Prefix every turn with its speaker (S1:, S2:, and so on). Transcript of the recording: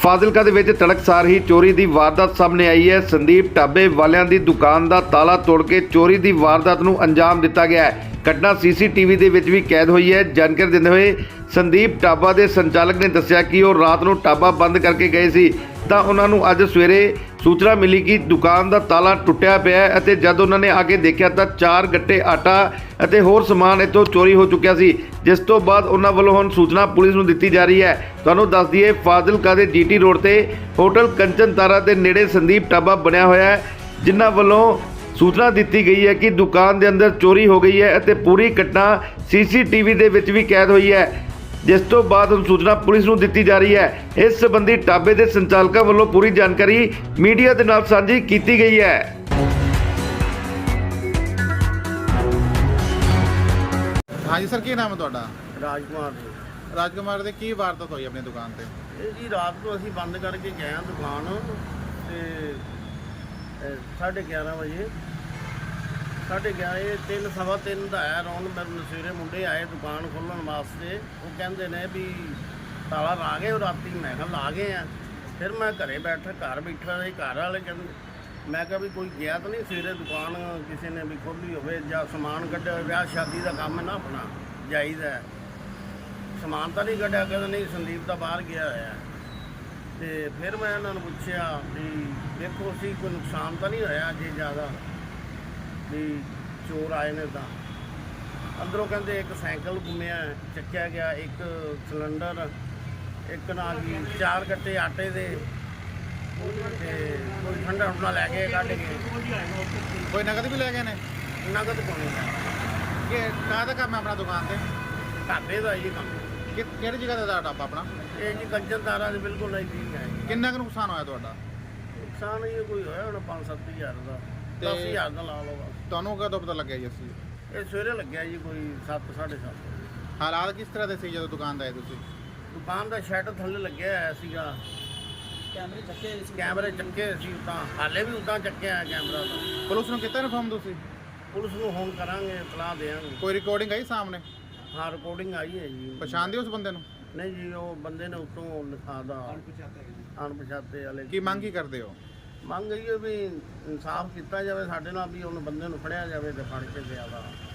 S1: ਫਾਜ਼ਿਲਕਾ ਦੇ ਵਿੱਚ ਤੜਕਸਾਰ ਹੀ ਚੋਰੀ ਦੀ ਵਾਰਦਾਤ ਸਾਹਮਣੇ ਆਈ ਹੈ। ਸੰਦੀਪ ਢਾਬੇ ਵਾਲਿਆਂ ਦੀ ਦੁਕਾਨ ਦਾ ਤਾਲਾ ਤੋੜ ਕੇ ਚੋਰੀ ਦੀ ਵਾਰਦਾਤ ਨੂੰ ਅੰਜਾਮ ਦਿੱਤਾ ਗਿਆ ਹੈ। ਘਟਨਾ ਸੀਸੀਟੀਵੀ ਦੇ ਵਿੱਚ ਵੀ ਕੈਦ ਹੋਈ ਹੈ। ਜਾਣਕਾਰੀ ਦਿੰਦੇ ਹੋਏ ਸੰਦੀਪ ਢਾਬਾ ਦੇ ਸੰਚਾਲਕ ਨੇ ਦੱਸਿਆ ਕਿ ਉਹ ਰਾਤ ਨੂੰ ਢਾਬਾ ਬੰਦ ਕਰਕੇ ਗਏ ਸੀ ਤਾਂ ਉਹਨਾਂ ਨੂੰ ਅੱਜ ਸਵੇਰੇ ਸੂਚਨਾ ਮਿਲੀ ਕਿ ਦੁਕਾਨ ਦਾ ਤਾਲਾ ਟੁੱਟਿਆ ਪਿਆ ਹੈ ਅਤੇ ਜਦ ਉਹਨਾਂ ਨੇ ਆ ਕੇ ਦੇਖਿਆ ਤਾਂ 4 ਗੱਟੇ ਆਟਾ ਅਤੇ ਹੋਰ ਸਮਾਨ ਇੱਥੋਂ ਚੋਰੀ ਹੋ ਚੁੱਕਿਆ ਸੀ, ਜਿਸ ਤੋਂ ਬਾਅਦ ਉਹਨਾਂ ਵੱਲੋਂ ਹੁਣ ਸੂਚਨਾ ਪੁਲਿਸ ਨੂੰ ਦਿੱਤੀ ਜਾ ਰਹੀ ਹੈ। ਤੁਹਾਨੂੰ ਦੱਸ ਦਈਏ ਫਾਜ਼ਿਲਕਾ ਦੇ ਜੀਟੀ ਰੋਡ ਤੇ ਹੋਟਲ ਕੰਚਨ ਤਾਰਾ ਦੇ ਨੇੜੇ ਸੰਦੀਪ ਢਾਬਾ ਬਣਿਆ ਹੋਇਆ ਹੈ, ਜਿਨ੍ਹਾਂ ਵੱਲੋਂ ਸੂਚਨਾ ਦਿੱਤੀ ਗਈ ਹੈ ਕਿ ਦੁਕਾਨ ਦੇ ਅੰਦਰ ਚੋਰੀ ਹੋ ਗਈ ਹੈ ਅਤੇ ਪੂਰੀ ਘਟਨਾ ਸੀਸੀਟੀਵੀ ਦੇ ਵਿੱਚ ਵੀ ਕੈਦ ਹੋਈ ਹੈ, ਜਿਸ ਤੋਂ ਬਾਅਦ ਹੁਣ ਸੂਚਨਾ ਪੁਲਿਸ ਨੂੰ ਦਿੱਤੀ ਜਾ ਰਹੀ ਹੈ। ਇਸ ਸੰਬੰਧੀ ਢਾਬੇ ਦੇ ਸੰਚਾਲਕਾਂ ਵੱਲੋਂ ਪੂਰੀ ਜਾਣਕਾਰੀ ਮੀਡੀਆ ਦੇ ਨਾਲ ਸਾਂਝੀ ਕੀਤੀ ਗਈ ਹੈ।
S2: ਹਾਂਜੀ ਸਰ, ਕੀ ਨਾਮ ਹੈ ਤੁਹਾਡਾ?
S3: ਰਾਜਕੁਮਾਰ ਜੀ।
S2: ਰਾਜਕੁਮਾਰ ਦੇ ਕੀ ਵਾਰਦਾਤ ਹੋਈ ਆਪਣੀ ਦੁਕਾਨ ਤੇ?
S3: ਇਹ ਜੀ ਰਾਤ ਨੂੰ ਅਸੀਂ ਬੰਦ ਕਰਕੇ ਗਏ ਹਾਂ ਦੁਕਾਨ ਤੇ 11:30 ਵਜੇ 11:30 3 ਸਵਾ 3 ਦਾ ਆਇਆ ਰੌਣ। ਮੈਨੂੰ ਸਵੇਰੇ ਮੁੰਡੇ ਆਏ ਦੁਕਾਨ ਖੋਲ੍ਹਣ ਵਾਸਤੇ। ਉਹ ਕਹਿੰਦੇ ਨੇ ਵੀ ਤਾਲਾ ਲਾ ਗਏ ਉਹ ਰਾਤੀ। ਮੈਂ ਕਿਹਾ ਲਾ ਗਏ ਆ। ਫਿਰ ਮੈਂ ਘਰ ਬੈਠਾ ਸੀ। ਘਰ ਵਾਲੇ ਕਹਿੰਦੇ, ਮੈਂ ਕਿਹਾ ਵੀ ਕੋਈ ਗਿਆ ਤਾਂ ਨਹੀਂ ਸਵੇਰੇ ਦੁਕਾਨ ਕਿਸੇ ਨੇ ਵੀ ਖੋਲ੍ਹੀ ਹੋਵੇ ਜਾਂ ਸਮਾਨ ਕੱਢਿਆ ਹੋਵੇ। ਵਿਆਹ ਸ਼ਾਦੀ ਦਾ ਕੰਮ ਹੈ ਨਾ ਆਪਣਾ, ਜਾਈਦਾ ਸਮਾਨ ਤਾਂ ਨਹੀਂ ਕੱਢਿਆ। ਕਹਿੰਦੇ ਨਹੀਂ ਸੰਦੀਪ ਤਾਂ ਬਾਹਰ ਗਿਆ ਹੋਇਆ। ਤੇ ਫਿਰ ਮੈਂ ਇਹਨਾਂ ਨੂੰ ਪੁੱਛਿਆ ਵੀ ਦੇਖੋ ਅਸੀਂ ਕੋਈ ਨੁਕਸਾਨ ਤਾਂ ਨਹੀਂ ਹੋਇਆ ਜੇ ਜ਼ਿਆਦਾ ਵੀ ਚੋਰ ਆਏ ਨੇ ਤਾਂ। ਅੰਦਰੋਂ ਕਹਿੰਦੇ ਇੱਕ ਸਾਈਕਲ ਗੁੰਮਿਆ ਚੱਕਿਆ ਗਿਆ, ਇੱਕ ਸਿਲੰਡਰ, ਇੱਕ ਨਾਲ ਜੀ 4 ਗੱਟੇ ਆਟੇ ਦੇ ਤੇ ਕੋਈ ਠੰਡਾ ਠੰਡਾ ਲੈ ਕੇ ਕੱਢ ਕੇ।
S2: ਕੋਈ ਨਗਦ ਵੀ ਲੈ ਗਏ ਨੇ?
S3: ਨਗਦ ਪਾਉਣੀ
S2: ਕਿ ਕਾਹਦਾ ਕੰਮ ਹੈ ਆਪਣਾ ਦੁਕਾਨ ਤੇ?
S3: ਢਾਬੇ ਦਾ ਜੀ ਕੰਮ।
S2: ਕਿਹੜੀ ਜਗ੍ਹਾ ਤੇ ਦਾ ਢਾਬਾ ਆਪਣਾ?
S3: ਇਹ ਜੀ ਕੰਚਨ ਤਾਰਾ ਦੇ ਬਿਲਕੁਲ ਨਜ਼ਦੀਕ ਹੈ।
S2: ਕਿੰਨਾ ਕੁ ਨੁਕਸਾਨ ਹੋਇਆ ਤੁਹਾਡਾ?
S3: ਨੁਕਸਾਨ ਇਹ ਕੋਈ ਹੋਇਆ ਹੁਣ 5-7 ਹਜ਼ਾਰ ਦਾ,
S2: ਤੇ
S3: 10 ਹਜ਼ਾਰ ਦਾ ਲਾ ਲਓ ਬਸ।
S2: ਤੁਹਾਨੂੰ ਕਦੋਂ ਪਤਾ ਲੱਗਿਆ ਜੀ ਅਸੀਂ?
S3: ਇਹ ਸਵੇਰੇ ਲੱਗਿਆ ਜੀ ਕੋਈ 7-7:30।
S2: ਹਾਲਾਤ ਕਿਸ ਤਰ੍ਹਾਂ ਦੇ ਸੀ ਜਦੋਂ ਦੁਕਾਨ ਤੇ ਆਏ ਤੁਸੀਂ?
S3: ਦੁਕਾਨ ਦਾ ਸ਼ਟਰ ਥੱਲੇ ਲੱਗਿਆ ਹੋਇਆ ਸੀਗਾ। ਕੈਮਰੇ ਚੱਕੇ ਸੀ ਤਾਂ ਹਾਲੇ ਵੀ ਉਦਾਂ ਚੱਕਿਆ ਹੈ ਕੈਮਰਾ ਤਾਂ।
S2: ਪੁਲਿਸ ਨੂੰ ਕੀਤਾ ਇਨਫੋਰਮ ਤੁਸੀਂ?
S3: ਪੁਲਿਸ ਨੂੰ ਹੁਣ ਕਰਾਂਗੇ, ਇਤਲਾਹ ਦੇਵਾਂਗੇ।
S2: ਕੋਈ ਰਿਕਾਰਡਿੰਗ ਆਈ ਸਾਹਮਣੇ?
S3: ਹਾਂ ਰਿਕਾਰਡਿੰਗ ਆਈ ਹੈ ਜੀ।
S2: ਪਛਾਣਦੇ ਉਸ ਬੰਦੇ ਨੂੰ?
S3: ਨਹੀਂ ਜੀ, ਉਹ ਬੰਦੇ ਨੇ ਉੱਤੋਂ ਲਿਖਾਦਾ ਅਣਪਛਾਤੇ ਵਾਲੇ।
S2: ਕੀ ਮੰਗ ਕੀ ਕਰਦੇ ਹੋ?
S3: ਮੰਗ ਇਹ ਵੀ ਇਨਸਾਫ ਕੀਤਾ ਜਾਵੇ ਸਾਡੇ ਨਾਲ, ਵੀ ਉਹਨੂੰ ਬੰਦੇ ਨੂੰ ਫੜਿਆ ਜਾਵੇ ਤੇ ਫੜ ਕੇ ਜ਼ਿਆਦਾ